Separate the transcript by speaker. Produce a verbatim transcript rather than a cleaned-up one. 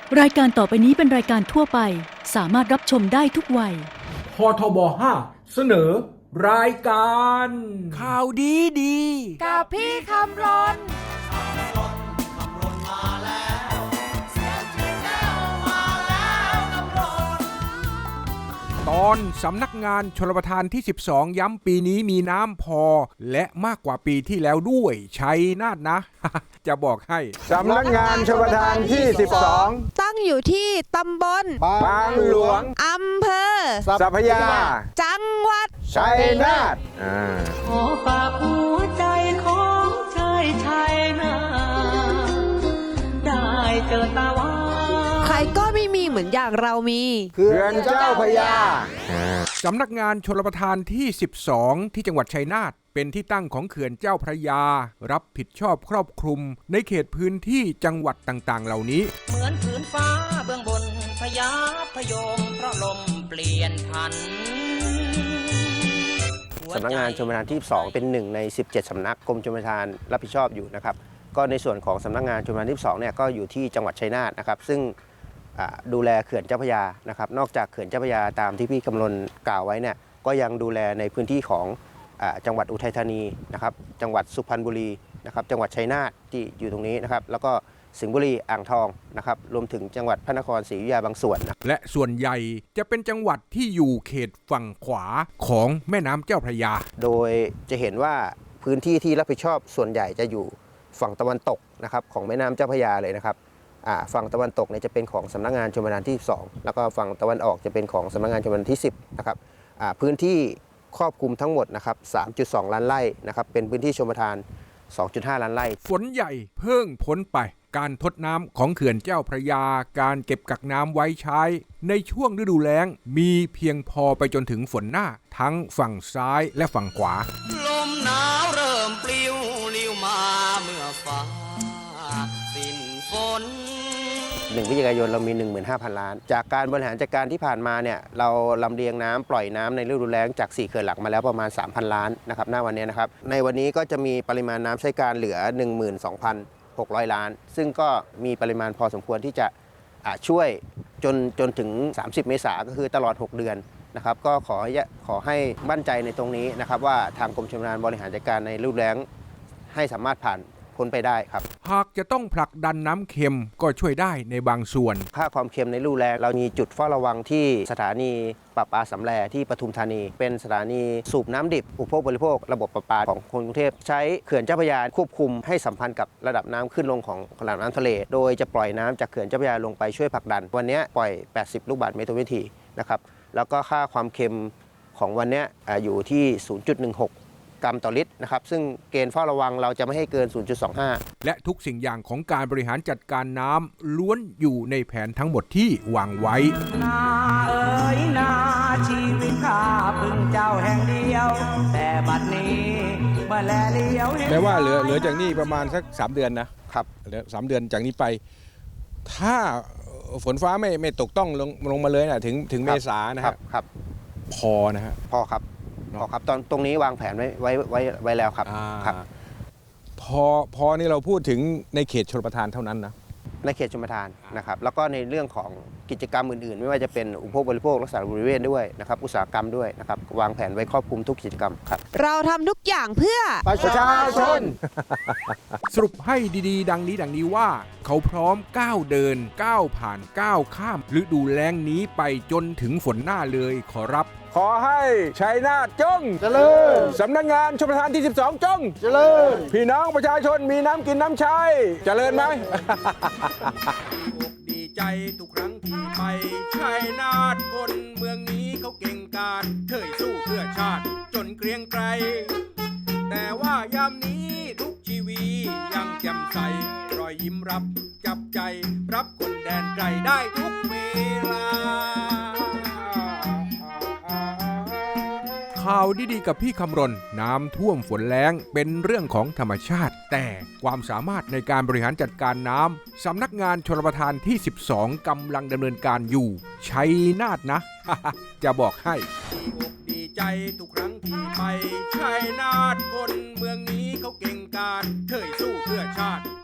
Speaker 1: รายการต่อไปนี้เป็นรายการทั่วไปสามารถรับชมได้ทุกวัย
Speaker 2: พทบห้าเสนอรายการ
Speaker 3: ข่าวดีดี
Speaker 4: กับพี่คำรน
Speaker 3: ตอนสำนักงานชลประทานที่สิบสองย้ำปีนี้มีน้ำพอและมากกว่าปีที่แล้วด้วยชัยนาทนะ จะบอกให้
Speaker 5: สำนักงานชลประทานที่สิบสอง
Speaker 4: ตั้งอยู่ที่ตำบล
Speaker 5: บางหลวง
Speaker 4: อำเภอ
Speaker 5: สัพพยา
Speaker 4: จังหวัด
Speaker 5: ชัยนาท
Speaker 6: ขอฝากหัวใจของชายชายนาได้เจอตาว่า
Speaker 4: ใครก็ไม่มีเหมือนอย่างเรามี
Speaker 5: เขื่อนเจ้าพระยา
Speaker 3: สำนักงานชลประทานที่สิบสองที่จังหวัดชัยนาทเป็นที่ตั้งของเขื่อนเจ้าพระยารับผิดชอบครอบคลุมในเขตพื้นที่จังหวัดต่างๆเหล่านี้
Speaker 6: เหมือนผืนฟ้าเบื้องบนพยาพยมเพราะลมเปลี่ยนพัน
Speaker 7: สำนักงานชลประทานที่สิบสองเป็นหนึ่งในสิบเจ็ดสำนักกรมชลประทานรับผิดชอบอยู่นะครับก็ในส่วนของสำนักงานชลประทานที่สิบสองเนี่ยก็อยู่ที่จังหวัดชัยนาทนะครับซึ่งดูแลเขื่อนเจ้าพระยานะครับนอกจากเขื่อนเจ้าพระยาตามที่พี่กำลนกล่าวไว้เนี่ยก็ยังดูแลในพื้นที่ของจังหวัดอุทัยธานีนะครับจังหวัดสุพรรณบุรีนะครับจังหวัดชัยนาทที่อยู่ตรงนี้นะครับแล้วก็สิงห์บุรีอ่างทองนะครับรวมถึงจังหวัดพระนครศรีอยุธยาบางส่วนนะ
Speaker 3: และส่วนใหญ่จะเป็นจังหวัดที่อยู่เขตฝั่งขวาของแม่น้ำเจ้าพระยา
Speaker 7: โดยจะเห็นว่าพื้นที่ที่รับผิดชอบส่วนใหญ่จะอยู่ฝั่งตะวันตกนะครับของแม่น้ำเจ้าพระยาเลยนะครับฝั่งตะวันตกเนี่ยจะเป็นของสำนักงานชลประทานที่สิบสองแล้วก็ฝั่งตะวันออกจะเป็นของสำนักงานชลประทานที่สิบนะครับพื้นที่ครอบคลุมทั้งหมดนะครับ สามจุดสอง ล้านไร่นะครับเป็นพื้นที่ชลประทาน สองจุดห้า ล้านไร่
Speaker 3: ฝนใหญ่เพิ่งพ้นไปการทดน้ำของเขื่อนเจ้าพระยาการเก็บกักน้ำไว้ใช้ในช่วงฤดูแล้งมีเพียงพอไปจนถึงฝนหน้าทั้งฝั่งซ้ายและฝั่งขวา
Speaker 6: ลมหนาวเริ่มปลิวลิ้วมาเมื่อฟ้าสิ้นฝน
Speaker 7: หนึ่งพฤศจิกายนเรามี หนึ่งหมื่นห้าพัน ล้านจากการบริหารจัดการที่ผ่านมาเนี่ยเราลำเลียงน้ำปล่อยน้ำในฤดูแล้งจากสี่เขื่อนหลักมาแล้วประมาณ สามพัน ล้านนะครับหน้าวันนี้นะครับในวันนี้ก็จะมีปริมาณน้ำใช้การเหลือ หนึ่งหมื่นสองพันหกร้อย ล้านซึ่งก็มีปริมาณพอสมควรที่จะช่วยจนจนถึงสามสิบเมษายนก็คือตลอดหกเดือนนะครับก็ขอขอให้มั่นใจในตรงนี้นะครับว่าทางกรมชลประทานบริหารจัดการในฤดูแล้งให้สามารถผ่านพ้นไปได้ครับ
Speaker 3: หากจะต้องผลักดันน้ำเค็มก็ช่วยได้ในบางส่วน
Speaker 7: ค่าความเค็มในฤดูแล้งเรามีจุดเฝ้าระวังที่สถานีประปาสำแลที่ปทุมธานีเป็นสถานีสูบน้ำดิบอุปโภคบริโภคระบบประปาของคนกรุงเทพใช้เขื่อนเจ้าพระยาควบคุมให้สัมพันธ์กับระดับน้ำขึ้นลงของระดับน้ำทะเลโดยจะปล่อยน้ำจากเขื่อนเจ้าพระยาลงไปช่วยผลักดันวันนี้ปล่อยแปดสิบลูกบาศก์เมตรต่อวินาทีนะครับแล้วก็ค่าความเค็มของวันนี้อยู่ที่ ศูนย์จุดหนึ่งหกกรัมต่อลิตรนะครับซึ่งเกณฑ์เฝ้าระวังเราจะไม่ให้เกิน ศูนย์จุดสองห้า
Speaker 3: และทุกสิ่งอย่างของการบริหารจัดการน้ำล้วนอยู่ในแผนทั้งหมดที่วางไว้
Speaker 6: นาเอ๋ยนาชีวิตข้าพึ่งเจ้าแห่งเดียวแต่บัดนี้เมื่อแลเลี้ยว
Speaker 5: แม้ว่าเหลือเหลือจากนี้ประมาณสักสามเดือนนะครับเหลือสามเดือนจากนี้ไปถ้าฝนฟ้าไม่ไม่ตกต้องลงลงมาเลยนะถึงถึงเมษายนนะครับ
Speaker 7: ครับ
Speaker 5: พอนะฮะ
Speaker 7: พอครับพอครับตอนตรงนี้วางแผนไว้ไว้ไว้ไว้แล้วครับครับ
Speaker 5: พอพอนี่เราพูดถึงในเขตชลประทานเท่านั้นนะ
Speaker 7: ในเขตชลประทานนะครับแล้วก็ในเรื่องของกิจกรรมอื่นๆไม่ว่าจะเป็นอุปโภคบริโภครักษาบริเวณด้วยนะครับอุตสาหกรรมด้วยนะครับวางแผนไว้ครอบคลุมทุกกิจกรรมครับ
Speaker 4: เราทำทุกอย่างเพื่อ
Speaker 5: ประชาชน
Speaker 3: สรุปให้ดีๆดังนี้ดังนี้ว่าเขาพร้อมก้าวเดินก้าวผ่านก้าวข้ามฤดูแล้งนี้ไปจนถึงฝนหน้าเลยขอรับ
Speaker 5: ขอให้ชัยนาทจงเจริญสำนักงานชลประทานที่สิบสองจงเจริญพี่น้องประชาชนมีน้ำกินน้ำใช้เจริญไหม
Speaker 3: ดีใจทุกครั้งที่ไปชัยนาทคนเมืองนี้เขาเก่งกาจเคยสู้เพื่อชาติจนเกรียงไกรแต่ว่ายามนี้ทุกชีวียังแจ่มใสรอยยิ้มรับจับใจรับคนแดนไกลได้ทุกเวลาข่าวดีๆกับพี่คำรณน้ำท่วมฝนแล้งเป็นเรื่องของธรรมชาติแต่ความสามารถในการบริหารจัดการน้ำสำนักงานชลประทานที่สิบสองกำลังดำเนินการอยู่ชัยนาทนะ จะบอกให้ดีใจทุกครั้งที่ไปชัยนาทคนเมืองนี้เขาเก่งกาจเคยสู้เพื่อชาติ